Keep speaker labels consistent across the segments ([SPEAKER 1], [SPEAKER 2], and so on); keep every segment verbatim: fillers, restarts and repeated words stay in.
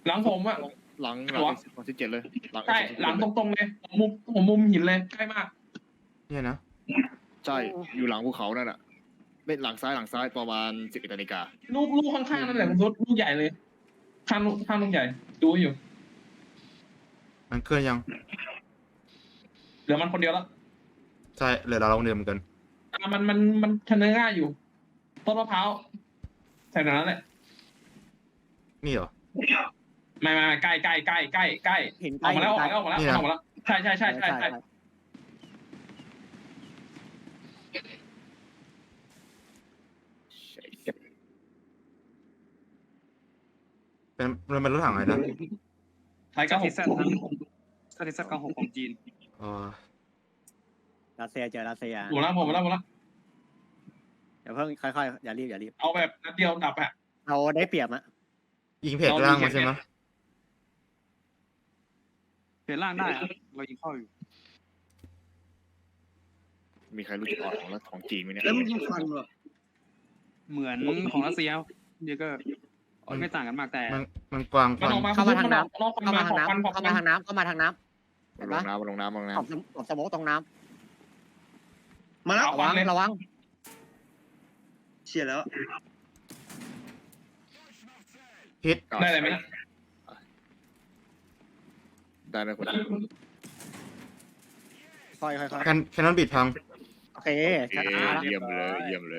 [SPEAKER 1] หลังผมอะ
[SPEAKER 2] หลังหลังสองสิบเจ็ดเลยหลัง
[SPEAKER 1] ใช่หลังตรงๆเลยผมมุมผมมุมหินเลยใกล้มาก
[SPEAKER 3] เนี่ยนะ
[SPEAKER 2] ใช่อยู่หลังภูเขานั่นน่ะไม่หลังซ้ายหลังซ้ายประมาณสิบเอ็ดนาฬิกา
[SPEAKER 1] ลูกลูกข้างๆนั่นแหละคุณทศลูกใหญ่เลยข้างลูกข้างลูกใหญ่ดูอยู่
[SPEAKER 3] มันเคลื่อนยัง
[SPEAKER 1] เหลือมันคนเดียวแล้ว
[SPEAKER 3] ใช่เหลือเราลงเดิมเหมือนกัน
[SPEAKER 1] อ่ะมันมันมันชนะง่ายอยู่ต้นมะพร้าวใส่ตรงนั้นแหละ
[SPEAKER 3] นี่เหรอ
[SPEAKER 1] ไม่ไม่ไม่ใกล้ใกล้ใกล้ใกล้ใกล้
[SPEAKER 4] เห็น
[SPEAKER 1] ออกมาแล้วออกมาแล้วออกมาแล้วออกมาแล้วใช่ใช่ใช่ใช่ใช่
[SPEAKER 3] เป็นมันเป็นรถถังอะไรนะ
[SPEAKER 1] ไทย
[SPEAKER 5] ก็
[SPEAKER 1] เก้าห
[SPEAKER 5] ทิ
[SPEAKER 1] ก
[SPEAKER 5] ศสัตว์สถิติเก้าหกของจีน
[SPEAKER 3] อ๋อ
[SPEAKER 4] รัสเซียเจอรัสเซีย
[SPEAKER 1] หมดแล้วหมดแล้วหมดแล้ว
[SPEAKER 4] เดี๋ยวเพิ่งค่อยๆอย่ารีบอย่ารีบ
[SPEAKER 1] เอาแบบนัดเดียวดับอะ
[SPEAKER 4] เราได้เปรียบอะ
[SPEAKER 3] ยิงเพจล่างมาใช่ไหม
[SPEAKER 5] เปลี่ยนร่างได้อะเรายิงเข้าอยู่
[SPEAKER 2] มีใครรู้จุดอ่อนของรัฐของจีนไหมเนี่ย
[SPEAKER 6] แล้วมันยิงฟันเหรอ
[SPEAKER 5] เหมือนของรัสเซียเดียวก็ไม่ต่างกันมากแต่
[SPEAKER 3] มันมันกวางค
[SPEAKER 1] มัน
[SPEAKER 3] วัน
[SPEAKER 1] ออกมา
[SPEAKER 4] เข้ามาทางน้ำ
[SPEAKER 1] นอกฟัน
[SPEAKER 4] เข้า
[SPEAKER 1] มา
[SPEAKER 4] มา
[SPEAKER 1] ข
[SPEAKER 4] ทาง
[SPEAKER 1] อบฟันขอบ
[SPEAKER 4] น้ำเข้า
[SPEAKER 1] ฟั
[SPEAKER 4] มาน ทางน้ำเข้ามาทางน้ำเห็น
[SPEAKER 2] ล
[SPEAKER 4] ปะ
[SPEAKER 2] งน้ำลงน้ำลงน้
[SPEAKER 4] ขอบขอบสมองตรงน้
[SPEAKER 6] มาแล้ว
[SPEAKER 4] ำระวังระวัง
[SPEAKER 6] เฉียดแล้ว
[SPEAKER 3] ฮิต
[SPEAKER 2] ำ
[SPEAKER 1] ได้อะไรไหมนะ
[SPEAKER 2] ได้ไหมคน
[SPEAKER 4] ค่อยๆค่อย
[SPEAKER 3] แคนแคนนอนบิดพัง
[SPEAKER 4] ๆโอเค
[SPEAKER 2] เอ๊ะเยี่ยมเลยเยี่ยมเลย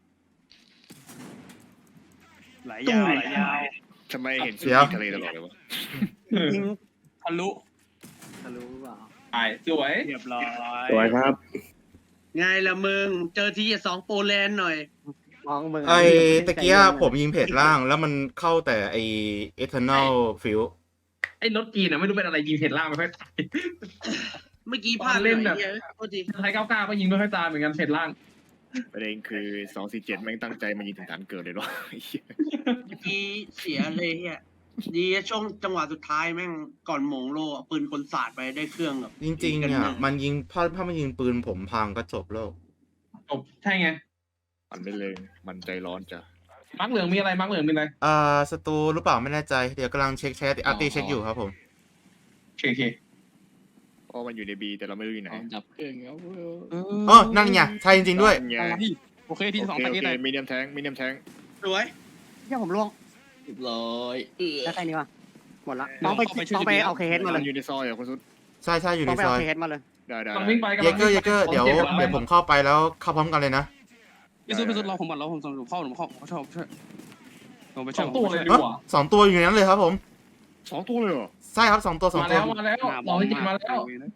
[SPEAKER 5] ไหลยาวไหลยาว
[SPEAKER 2] ทำไมเห็น
[SPEAKER 3] เดี๋ยว
[SPEAKER 2] ทะเลตลอดเลยวะ
[SPEAKER 4] ยิง
[SPEAKER 5] ทะลุ
[SPEAKER 4] ทะลุเปล่า
[SPEAKER 1] ตายสวย
[SPEAKER 5] เรียบร้อย
[SPEAKER 7] สวยครับ
[SPEAKER 6] ไงล่ะมึง เจอทีสองโปแลนด์หน่อย
[SPEAKER 4] มองมึง
[SPEAKER 3] ไอ้ตะเกียผมยิงเพจล่าง แล้วมันเข้าแต่ไอ้ eternal field
[SPEAKER 1] ไอ้รถจีนอะไม่รู้เป็นอะไรยิงเห็นล่างไม่ค่อยตาย
[SPEAKER 6] เมื่อกี้พลาด
[SPEAKER 1] เล่นแบบ
[SPEAKER 6] หอยหี้ยโทษที
[SPEAKER 1] ไทยเก้าเก้าก็ยิงไม่ค่อยตายเหมือนกันเห็นล่าง
[SPEAKER 2] ประเด็นคือสองสี่เจ็ดแม่งตั้งใจมายิงถึงฐานเกิดเลยเนาะ ไอ้เหี้ย
[SPEAKER 6] เมื่อกี้เสียเลยเฮียดีช่วงจังหวะสุดท้ายแม่งก่อนโมงโลอะปืนกลศาสตร์ไปได้เครื่องแบบ
[SPEAKER 3] จริงๆเนี่ยมันยิงถ้าถ้ามันยิงปืนผมพังก็จบแล้ว
[SPEAKER 1] จบใช่ไง
[SPEAKER 2] มันไม่เลยมันใจร้อนจ้ะ
[SPEAKER 1] มักเหลืองมีอะไรมักเหลืองมีอะไร
[SPEAKER 3] อ่าศัตรูหรือเปล่าไม่แน่ใจ เดี๋ยวกำลังเช็คแชทอาร์ตี้เช็คอยู่ครับผม
[SPEAKER 1] โอเคโอเค
[SPEAKER 2] เพราะมันอยู่ในบีแต่เราไม่รู้อยู่ไหน
[SPEAKER 7] ดับเครื่องแล้ว
[SPEAKER 3] อ๋อ นั่นไงใช่จริงๆด้วย
[SPEAKER 2] ไง
[SPEAKER 5] ที่โอเคที่สอง
[SPEAKER 2] โอ
[SPEAKER 5] ไป
[SPEAKER 2] เคโอ
[SPEAKER 5] ที่
[SPEAKER 2] เค
[SPEAKER 5] ไหน
[SPEAKER 2] มีเดียมแทงมีเดียมแทง
[SPEAKER 6] สวย
[SPEAKER 4] เฮียผมล่วง
[SPEAKER 7] เรียบร้อยเออ
[SPEAKER 4] แล้วใครนี่วะหมดละต้องไปต้องไปเอาเคเฮดมาเล
[SPEAKER 2] มั
[SPEAKER 4] ย
[SPEAKER 2] นอยู่ในซอยเหรอคุณสุด
[SPEAKER 3] ใช่ใช่อยู่
[SPEAKER 4] ต้
[SPEAKER 3] ใน
[SPEAKER 4] องไป
[SPEAKER 3] ซ
[SPEAKER 4] เอา
[SPEAKER 3] อย
[SPEAKER 4] เคเฮดมาเลย
[SPEAKER 2] ได้ได้
[SPEAKER 1] กำลังวิ่งไป
[SPEAKER 3] เยเกอร์เยเกอร์เดี๋ยวเดี๋ยวผมเข้าไปแล้วเข้าพร้อมกันเลยนะ
[SPEAKER 5] พี่สุดพี่สุดรอผมก่อนรอผมส่งผมเข้าผมเข้าผมชอบช่วยผมไป
[SPEAKER 1] ส
[SPEAKER 5] ช่ว
[SPEAKER 1] อย งตัวเลยดี
[SPEAKER 3] เอ้อก
[SPEAKER 1] ว่า
[SPEAKER 3] สองตัวอยู่ในนั้นเลยครับผม
[SPEAKER 2] สองตัวเลยเหรอ
[SPEAKER 3] ใช่ครับสองตัวสอง
[SPEAKER 1] มา
[SPEAKER 3] ตัว
[SPEAKER 1] แล้วมาแล้วเราที่จริงมาแล้ว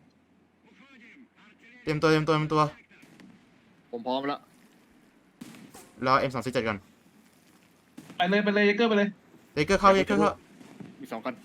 [SPEAKER 3] เตรียมตัวเตรียมตัวเตรียมตัว
[SPEAKER 2] ผมพร้อมแล้ว
[SPEAKER 3] รอ เอ็ม สอง สี่ เจ็ดก่อน
[SPEAKER 1] ไปเลยไปเลยเยเกอร์ไปเลย
[SPEAKER 3] เยเกอร์เข้าเยเกอร์เข้า
[SPEAKER 2] มีสองกัน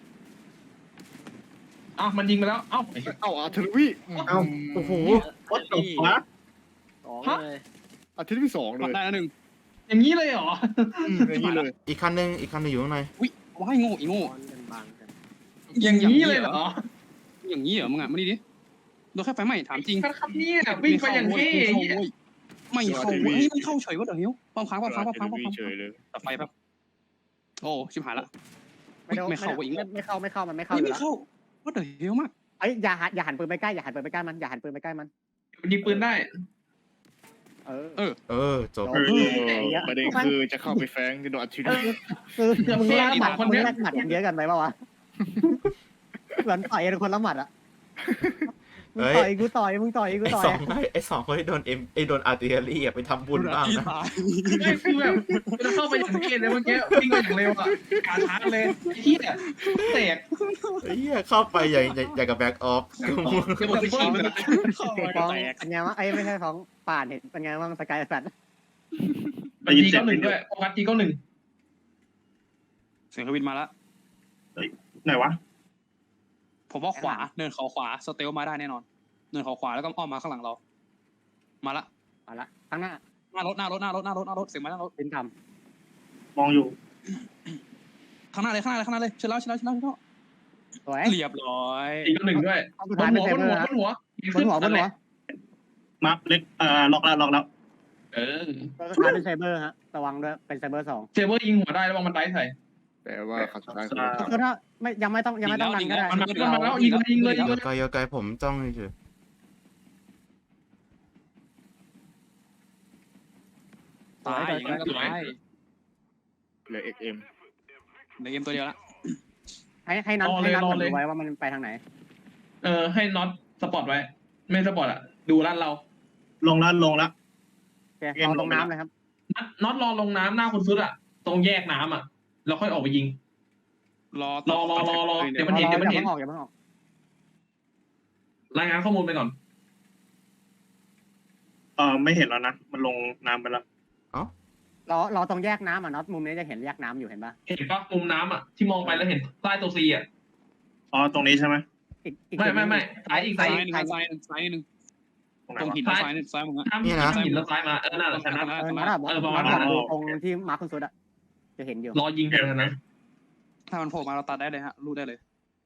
[SPEAKER 1] อ้าวมันยิงไปแล้วเอ้า
[SPEAKER 2] เอ้าอาร์เทอร์วี
[SPEAKER 7] เอ้า
[SPEAKER 3] โอ้โห
[SPEAKER 7] วัดตบวะ
[SPEAKER 4] สองเลย
[SPEAKER 2] อาร์เทอร์วีสองเลย
[SPEAKER 5] ได้แล้วหนึ่ง
[SPEAKER 1] อย่างนี้เลยเหรอ
[SPEAKER 2] อย่างนี้เลย
[SPEAKER 3] อีกคันหนึงอีกคันหนึงอยู่ข้างใน
[SPEAKER 5] อุ้ยว้ายโง่อีโง่
[SPEAKER 4] บอลกันบางกัน
[SPEAKER 1] อย่างนี้เลยเหรอ
[SPEAKER 5] อย่างนี้เหรอมึงอ่ะมาดิดิโดนแค่ไฟไหม้ถามจริง
[SPEAKER 1] ครับเนี่ยวิ่งไปอย่างเท่
[SPEAKER 5] ไม่เข้าเว้ยไม่เข้าเฉยว่าเดี๋ยวหิวปั๊มค้างปั๊มค้างปั๊มค้างปั๊มค้าง
[SPEAKER 2] เฉยเลย
[SPEAKER 5] ตัดไฟแป๊บโอ้ชิบหายละ
[SPEAKER 4] ไม่เข้า
[SPEAKER 5] ไม่เข้าอีก
[SPEAKER 4] ไม่เข้าไม่เข้ามันไม่เข้า
[SPEAKER 5] ไม่
[SPEAKER 4] อยู่
[SPEAKER 5] ไม่
[SPEAKER 4] แล้ว
[SPEAKER 5] เข้าว่าเดี๋ยวหิวมาก
[SPEAKER 4] ไอ้ยอย่าหันอย่าหันปืนไปใกล้อย่าหันปืนไปใกล้มันอย่าหันปืนไปใกล้มัน
[SPEAKER 1] มันยิงปืนได้
[SPEAKER 4] เออ
[SPEAKER 5] เออ
[SPEAKER 3] เออจบ
[SPEAKER 2] เออประเด็นคือจะเข้าไปแฟงจะโดนอาร์เทอร์วี
[SPEAKER 4] คือมึงแลกหมัดมึงแลกหมัดกันเยอะกันไหมปะวะเหมือนต่อยกันคนละหมัดอ่ะมึงต่อยกูต่อยมึงต่อยกู
[SPEAKER 3] ไอ้
[SPEAKER 4] ต่อย
[SPEAKER 3] สองไอ้ไอ้สองคนที่โดนเอ็มไอ้โดนอาร์ติเลอรี่อะไปทำบุญบ้างนะ
[SPEAKER 1] ไม่คือแบบเราเข้าไปอย่างเท่เลยเมื่อกี้วิ่งไปอย่างเร็วอ่ะการช้าเลยเฮียแตก
[SPEAKER 3] ไอ้เหี้ยเข้าไปอย่างอย่างอย่างกับแบ็กออฟ
[SPEAKER 1] จะหมดไปชิมเลย
[SPEAKER 4] ฟ้องเป็นไงวะไอ้ไม่ใช่ฟ้องป่านเห็นเป็นไงบ้างสกายแฟน
[SPEAKER 1] มันจีเก้าหนึ่งด้วยโฟกัสจีเก้าหนึ่ง
[SPEAKER 5] เสียงเครื่องบินมาแล้ว
[SPEAKER 7] ไหนวะ
[SPEAKER 5] ผมว่าขวาเนินเขาขวาสเตลมาได้แน่นอนเนินเขาขวาแล้วก็อ้อมมาข้างหลังเรามาละ
[SPEAKER 4] มาละข้างหน้า
[SPEAKER 5] หน้ารถหน้ารถหน้ารถหน้ารถหน้ารถเสียงมาหน้ารถ
[SPEAKER 4] เป็นท
[SPEAKER 7] มองอยู่
[SPEAKER 5] ข้างหน้าเลยข้างหน้าเลยข้างหน้าเลยเชิญแล้วเชิญแล้วเชิญแล้วเชิญแล้ว
[SPEAKER 4] ำสวย
[SPEAKER 5] เรียบร้อย
[SPEAKER 1] จีเก้าหนึ่งด้วย
[SPEAKER 4] เอาสุด
[SPEAKER 1] บ
[SPEAKER 4] ท้าย
[SPEAKER 1] น
[SPEAKER 4] เป็น
[SPEAKER 1] หัว
[SPEAKER 4] ไซ
[SPEAKER 1] บน
[SPEAKER 4] เบอ
[SPEAKER 1] หัว
[SPEAKER 4] ร์
[SPEAKER 1] บนหัว
[SPEAKER 4] บนหัวบนหัว
[SPEAKER 7] มาร์คเล็กเอ่อล็อกแล้วล็อกแล้ว
[SPEAKER 1] เออ
[SPEAKER 4] สุดท้ายเป็นไซเบอร์ฮะระวังด้วยเป็นไซเบอร์สอง
[SPEAKER 1] เซเวอร์ยิงหัวได้แล้ววางมันได้ใส่
[SPEAKER 2] แปลว่าครั้งสุดท้ายคือ
[SPEAKER 4] คือถ้าไม่ยังไม่ต้องยังไม่ต้องดันก็ได้
[SPEAKER 1] มันมาแล้วมันมาแล้วยิงเลยยิงเลยยิงเลย
[SPEAKER 3] ไกลไกลผมจ้องเฉย
[SPEAKER 5] ตายอย่างนั้นก็ตาย
[SPEAKER 2] เหลือเอ็กเอ็ม
[SPEAKER 5] ในเกมตัวเดียวละ
[SPEAKER 4] ให้ให้นัดให้นัดมันดูไว้ว่ามันไปทางไหน
[SPEAKER 1] เออให้น็อตสปอร์ตไว้ ไม่สปอร์ตอ่ะดูร้านเรา
[SPEAKER 7] ลงแล้วลงแล้ว
[SPEAKER 4] โอเคเอาลงน้ำเลยครับ
[SPEAKER 1] น็อตน็อตรอลงน้ำหน้าคนซุดอ่ะตรงแยกน้ำอ่ะเราค่อยออกไปยิง
[SPEAKER 5] รอ
[SPEAKER 1] รอรอรอรอเดี๋ยวมัน
[SPEAKER 4] อ
[SPEAKER 1] เห็นเดี๋ยวมันเห็น
[SPEAKER 4] อย่าเพิ่งออกอย่าเพิ่งออก
[SPEAKER 1] รายงานข้อมูลไปก่อน
[SPEAKER 7] เออไม่เห็นแล้วนะมันลงน้ำไปแล้ว
[SPEAKER 4] เราเราตรงแยกน้ำอ่ะน็อตมุมนี้จะเห็นแยกน้ำอยู่เห็นปะ
[SPEAKER 1] เห็นปะมุมน้ำอ่ะที่มองไปแล้วเห็นใต้ตัวซีอ่ะ
[SPEAKER 7] อ๋อตรงนี้ใช่ไหม
[SPEAKER 4] อีกอีก
[SPEAKER 1] ไม่ไม่ไม่ซ้ายอีก
[SPEAKER 5] ซ้า
[SPEAKER 1] ซ้าย ย
[SPEAKER 5] ห
[SPEAKER 1] อี
[SPEAKER 5] นึ่
[SPEAKER 1] ก
[SPEAKER 5] งซ้ายหนึ่งซ้ายหนึ่ง
[SPEAKER 7] ตรงไหน
[SPEAKER 5] ตรง
[SPEAKER 7] วะ
[SPEAKER 5] หินซ้ายหนึ่งซ้ายมึงอะ
[SPEAKER 1] ห้ามหินหินแล้วซ้ายมาเออน่าจะชนะ
[SPEAKER 4] เออน็อตอะบอก
[SPEAKER 1] เออประ
[SPEAKER 4] น็
[SPEAKER 1] มา
[SPEAKER 4] อ
[SPEAKER 1] ณ
[SPEAKER 4] ต
[SPEAKER 1] นั้น
[SPEAKER 4] ดูตรงที่มาร์คคุณสุดอะจะเห็นอยู่
[SPEAKER 1] รอยิงเดี๋ยวนะ
[SPEAKER 5] ถ้ามันโผล่มาเราตัดได้เลยฮะรูดได้เลย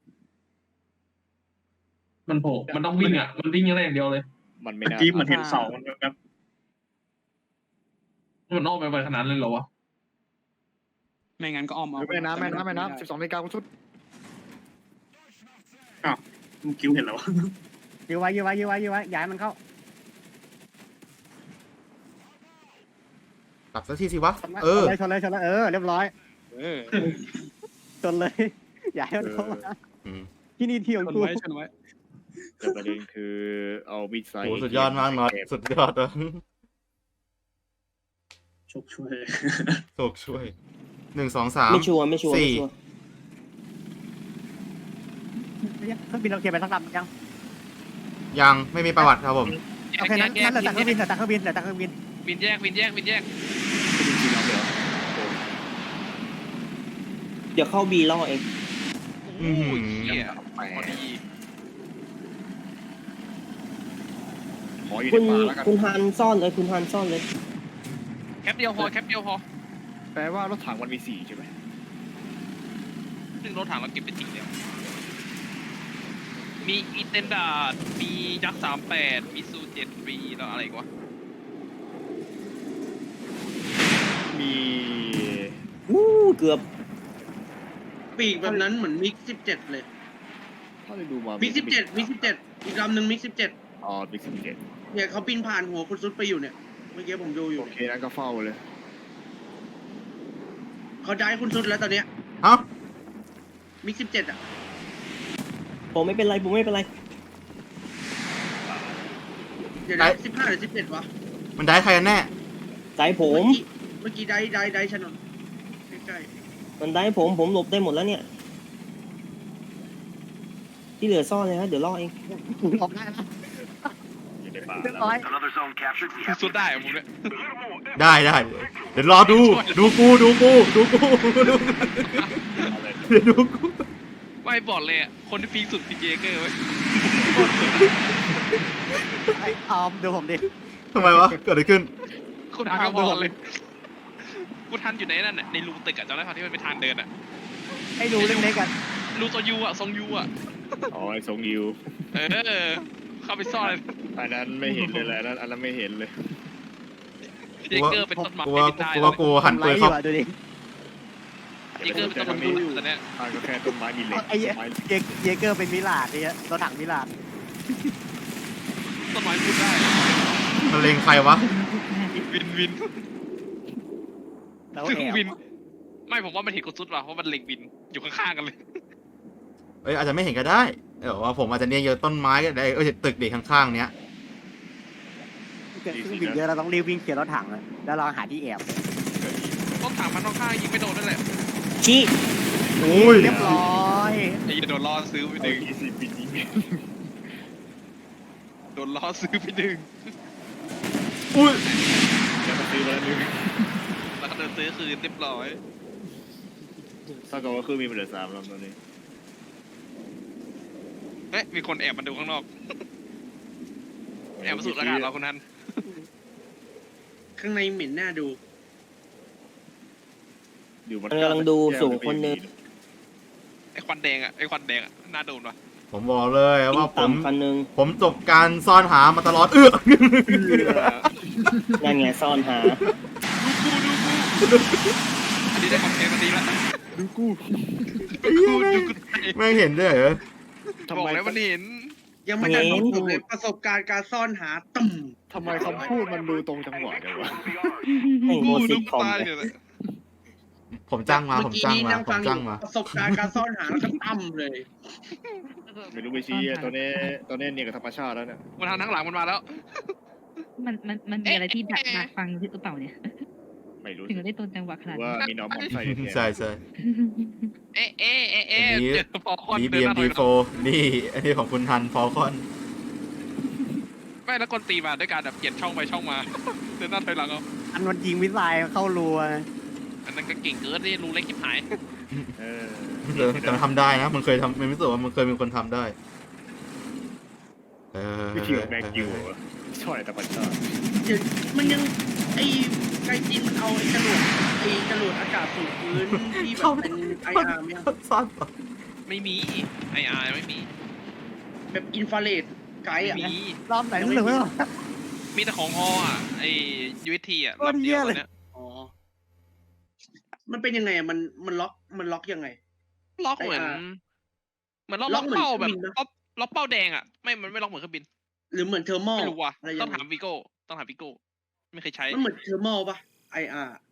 [SPEAKER 1] มันโผล่มันต้องวิ่งอ่ะมันวิ่งอะไรอย่างเดียวเลย
[SPEAKER 2] มันไม่
[SPEAKER 7] เมื่อ
[SPEAKER 2] น่า
[SPEAKER 7] กี้มันเห็นเสามันแบบ
[SPEAKER 1] มันอ้อมไปไปขนาดนั้นเลยเหรอวะ
[SPEAKER 5] ไม่งั้นก็อ้อมเอา
[SPEAKER 2] แม่น้ำแม่น้ำแม่น้ำสิบสองนาฬิกาคุณชุด
[SPEAKER 7] มึงคิ้วเห็นแล้ววะ
[SPEAKER 4] ยื้อไว้ยื้อไว้ยื้อไว้ยื้อไว้ย้ายมันเข้า
[SPEAKER 3] ๆกลับสักทีสิวะ เออ
[SPEAKER 4] ชนเลยชนเลยชนเลยเออเรียบร้อย
[SPEAKER 5] เออ
[SPEAKER 4] ชนเลยย้ายมันเข้ามา
[SPEAKER 3] อืม
[SPEAKER 4] ที่นี่ที่ของ
[SPEAKER 5] ชน
[SPEAKER 4] กู
[SPEAKER 5] ไว้ชนไว้
[SPEAKER 2] แต่ประเด็นคือเอามิดไซ
[SPEAKER 3] โหสุดยอดมากน็อตสุดยอดเลย
[SPEAKER 7] ชกช่วย
[SPEAKER 3] โชคช่วยหนึ่งสองสาม
[SPEAKER 8] ไม่ชัวร์ไม่ชัวร์
[SPEAKER 3] สี่
[SPEAKER 8] ไม่ชัวร์
[SPEAKER 4] เครื่องบินเราเคลียร์ไปสักลำยัง
[SPEAKER 3] ยังไม่มีประวัติครับผม
[SPEAKER 4] โอเคนั้นนั้นเหลือแต่เครื่องบินเหลือแต่เครื่องบินเหลือแต่เครื่องบิน
[SPEAKER 5] บินแยกบินแยกบินแยก
[SPEAKER 8] เดี๋ยวเข้าบีล่อเอง
[SPEAKER 3] อื้อหือ
[SPEAKER 5] เหี้ยพอดี
[SPEAKER 2] ขออยู่
[SPEAKER 8] คุ
[SPEAKER 2] ใน
[SPEAKER 8] ณ
[SPEAKER 2] ป่าแล้วกัน
[SPEAKER 8] คุณฮันซ่อนเลยคุณฮันซ่อนเลย
[SPEAKER 5] แคปเดียวพอแคปเดียวพอ
[SPEAKER 2] แปลว่ารถถังมันมีสี่ใช่ไหม
[SPEAKER 5] ซึ่งรถถังเราเก็บไปสี่แล้วมีอีเทนดาร์ดมียักษ์สามแปดมีซูเจ็ดปีแล้วอะไรอีกวะ
[SPEAKER 2] มี
[SPEAKER 8] วู้เกือบ
[SPEAKER 6] ปีกแบบนั้นเหมือนมิกสิบเจ็ดเลย
[SPEAKER 2] ถ้าได้ดูมา
[SPEAKER 6] มิกสิบเจ็ดมิกสิบเจ็ดอีกลำหนึ่งมิกสิบเจ็ด
[SPEAKER 2] อ๋อมิกสิบเจ็ด
[SPEAKER 6] เนี่ยเขาบินผ่านหัวคุณซุดไปอยู่เนี่ยเมื่อกี้ผมดูอยู่
[SPEAKER 2] โอเคนั้นก็เฝ้าเลย
[SPEAKER 6] เขาย้ายคุณซุดแล้วตอนเนี้ย
[SPEAKER 3] เอ้า
[SPEAKER 6] มิกสิบเจ็ดอ่ะ
[SPEAKER 8] ผมไม่เป็นไรผมไม่เป็นไร
[SPEAKER 6] เดี๋ยวนะสิบห้าหรือสิบเจ็ดวะ
[SPEAKER 3] มันได้ใครกันแน่
[SPEAKER 8] ใจผม
[SPEAKER 6] เมื่อกี้เมื่อกี้ได้ได้ได้ชนนใกล้
[SPEAKER 8] มันได้ผมผมหลบได้หมดแล้วเนี่ย ที่เหลือซ่อนเลยฮะเดี๋ยวล่อเอง
[SPEAKER 4] ออกได้แล้ว
[SPEAKER 2] อยู่ในป่า
[SPEAKER 4] เรียบร้อย
[SPEAKER 5] สุดได้อะมึงเนี่ย
[SPEAKER 3] ได้ได้เดี๋ยวรอดู ดูกูดูกูดูกูดูกูเดี๋ยวดูกู
[SPEAKER 5] ไม่บอกเลยอะคนที่พีคสุดพีเจเกอร์ไว้
[SPEAKER 4] ไอ้ออมดูผมดิ
[SPEAKER 3] ทำไมวะเกิดอะไรขึ้น
[SPEAKER 5] คุณทันก็บอกเลยกูทันอยู่ในนั่นน่ะในรูตึกอะจำได้ป่ะที่มันเป็นทางเดินอะ
[SPEAKER 4] ให้ดูเล็กๆกัน
[SPEAKER 5] รูโซยูอะทรงยูอะ
[SPEAKER 2] อ๋อไอ้ทรงยิว
[SPEAKER 5] เออเข้าไปซ่อนเลย
[SPEAKER 2] อันนั้นไม่เห็นเลยแหละอันนั้นอันนั้นไม่เห็นเลย
[SPEAKER 5] พีเจเกอร์เป็นต้นไม้
[SPEAKER 3] กูว่า
[SPEAKER 5] บินได้
[SPEAKER 3] กูว่ากูหัน
[SPEAKER 4] ไล
[SPEAKER 3] ปืน
[SPEAKER 4] ฟ์อ
[SPEAKER 3] เข้า
[SPEAKER 4] ยู่อะดูดิ
[SPEAKER 5] พีเจเกอร์เป็นต้นไม้บินตอนเนี้ย
[SPEAKER 2] อันก็แค่ต้นไม้มีเหล็ก
[SPEAKER 4] ไอ้เหี้ย
[SPEAKER 2] ต้นไม้
[SPEAKER 4] เยเยเกอร์เป็นมิลาดเนี่ยรถถังมิลาด
[SPEAKER 5] ต้นไม้พูดได้
[SPEAKER 3] มันเลงใครวะ
[SPEAKER 5] วินวิน
[SPEAKER 4] แล้ว
[SPEAKER 5] ซึ่ง
[SPEAKER 4] แอบ
[SPEAKER 5] วิน ไม่ผมว่ามันเห็นกดซุดว่ะเพราะมันเล็งวินอยู่ข้างๆกันเลย
[SPEAKER 3] เอ้ยอาจจะไม่เห็นก็ได้เดี๋ยวว่าผมอาจจะเนี่ยเยอะต้นไม้ก็ได้เอ้ยตึกเด็กข้างๆเนี้ย
[SPEAKER 4] เกิดเครื่องบินเยอะเราต้องรีบวิ่งเคลียร์รถถังเลยแล้วเราหาที่แอบ
[SPEAKER 5] ต้นถังมันข้างๆยิงไม่โดนนั่นแหละ
[SPEAKER 8] ชี้
[SPEAKER 3] อุ้ย
[SPEAKER 4] เรียบร้อย
[SPEAKER 5] ไอ้โดนล่อซื้อไปหนึ่ง
[SPEAKER 2] ยี่สิบปีนี้
[SPEAKER 5] โดนล่อซื้อไปหนึ่ง
[SPEAKER 3] อุ้ย
[SPEAKER 2] แล้วก็ซื้อมาแล้วนึง
[SPEAKER 5] แล้วก็เดินซื้อคืนเรียบร้อย
[SPEAKER 2] ถ้าเกิดว่าเครื่องมีมันเหลือสามลำตอนนี้
[SPEAKER 5] เอ๊ะมีคนแอบมาดูข้างนอกแอบมาสูดอากาศเราคนนั้น
[SPEAKER 6] ข้างในเหม็นหน้าดู
[SPEAKER 2] อยู่มัน
[SPEAKER 8] มันกำลังดูสูงคนหนึง
[SPEAKER 5] ไอ้ควันแดงอ่ะไอ้ควันแดงอ่ะน่าโดนว่ะ
[SPEAKER 3] ผมบอกเลยว่าผม
[SPEAKER 8] ต่ำคันหนึง
[SPEAKER 3] ผมจบการซ่อนหามาตลอดเอื้อ
[SPEAKER 8] นั่นไงซ่อนหา
[SPEAKER 5] ดูกูดูกูอันนี้
[SPEAKER 9] นี้ได้คอนเทนต์มันดีละ
[SPEAKER 2] ดูกู
[SPEAKER 9] ดูดูกู
[SPEAKER 3] แม่งเห็นด้วยเหรอ
[SPEAKER 9] บอกแล้วมันเห็น
[SPEAKER 6] ยังไม่ได้บอกผมเลยประสบการณ์การซ่อนหาตุ่ม
[SPEAKER 2] ทำไมคำพูดมันดูตรงจังหวะจังวะ
[SPEAKER 8] ไอ้โม
[SPEAKER 9] กู
[SPEAKER 8] ซิ
[SPEAKER 9] ดู
[SPEAKER 8] คอม
[SPEAKER 9] ตาย
[SPEAKER 8] เลย
[SPEAKER 9] เลย
[SPEAKER 3] ผมจ้างมา
[SPEAKER 6] เมื่
[SPEAKER 3] ผ
[SPEAKER 6] อ
[SPEAKER 3] ม
[SPEAKER 6] กี้
[SPEAKER 3] จ้าง
[SPEAKER 6] นี้
[SPEAKER 3] มา
[SPEAKER 6] นั่ง
[SPEAKER 3] ผ
[SPEAKER 6] ฟั
[SPEAKER 3] ม
[SPEAKER 6] งอ
[SPEAKER 3] จ้าง
[SPEAKER 6] ยู่
[SPEAKER 3] มา
[SPEAKER 6] ประสบการณ์การซ่อนหาแล้วก็ตั้มเลย
[SPEAKER 2] ไม่รู้ไปชี้อะตอนนี้ตอนนี้เนี่ยกับธรรมชาติแล้วเนี่ย
[SPEAKER 9] มันทางทั้งหลังมันมาแล้ว
[SPEAKER 10] มันมันมันมีอะไรที่ดักดักฟังหรือเปล่าเนี่ย
[SPEAKER 2] ไม่รู้
[SPEAKER 10] ถึงได้ต้นจังหวะขนาด
[SPEAKER 2] ว่า
[SPEAKER 10] นี้
[SPEAKER 2] มีน้องมอมไซค์เนี่ย
[SPEAKER 3] ใช่ใช่
[SPEAKER 9] เอ๊ะเอ๊ะเอ๊ะเอ๊ะ
[SPEAKER 3] อันนี้
[SPEAKER 9] เจอฟอลคอน
[SPEAKER 3] ดี
[SPEAKER 9] เดิ
[SPEAKER 3] บี
[SPEAKER 9] นห
[SPEAKER 3] เอ็ม
[SPEAKER 9] น้าถ
[SPEAKER 3] ดี
[SPEAKER 9] อยห
[SPEAKER 3] โฟ
[SPEAKER 9] ลัง
[SPEAKER 3] นี่ อันนี้ของคุณทันฟอลคอน
[SPEAKER 9] ไม่แล้วคนตีมาด้วยการแบบเปลี่ยนช่องไปช่องมา เดินหน้าถอยหลังเอา
[SPEAKER 4] อันมันยิงมิสไซล์เข้ารัว
[SPEAKER 9] อันนั้นก็เก่งเกินนี่รูเล็กชิบหาย
[SPEAKER 2] เออ
[SPEAKER 3] เออแต่มันทำได้นะ มันเคยทำมันรู้สึกว่ามันเคยมีคนทำได้ เออ
[SPEAKER 2] วิธีของแมงกิวอะช่วยธรรมชาติ
[SPEAKER 6] เดี๋ยวมันยังไอ้ไกจีนมันเอาไอ้จรวดไอ้จรวดอากาศสูงพื้นที่แบบเป็นไออาร์ไหม
[SPEAKER 3] ซ่อน
[SPEAKER 9] ไม่มีไออาร์ไม่มี
[SPEAKER 6] แบบอินฟราเรดไกด์
[SPEAKER 9] ไม่
[SPEAKER 6] อ่ะ
[SPEAKER 9] มี
[SPEAKER 4] รอบไหนรู้สึกไหมวะ
[SPEAKER 9] มีแต่ของฮออ่ะไอยูเอทีอ่ะ
[SPEAKER 4] โคตรเหี้ยเลย
[SPEAKER 9] เนี่ย
[SPEAKER 6] อ๋อมันเป็นยังไงอ่ะมันมันล็อกมันล็อกยังไง
[SPEAKER 9] ล็อกเหมือน
[SPEAKER 6] ไอ้อาร์
[SPEAKER 9] เหมือนล็อก
[SPEAKER 6] ล็
[SPEAKER 9] ล็
[SPEAKER 6] อ
[SPEAKER 9] อก ก
[SPEAKER 6] เหมือน
[SPEAKER 9] เป้าแบบ
[SPEAKER 6] เครื่องบินปะ
[SPEAKER 9] ล็อกล็อกเป้าแดงอ่ะไม่มันไม่ล็อกเหมือนเครื่องบิน
[SPEAKER 6] หรือเหมือนเทอร์โม
[SPEAKER 9] ไม่รู้ว่ะ
[SPEAKER 6] อะไร
[SPEAKER 9] ต้
[SPEAKER 6] ยั
[SPEAKER 9] อง
[SPEAKER 6] งไง
[SPEAKER 9] ถามวิโก้ต้องถามวิโก้ไม่เคยใช้
[SPEAKER 6] มันเหมือนเทอร์โมป่ะไออาร์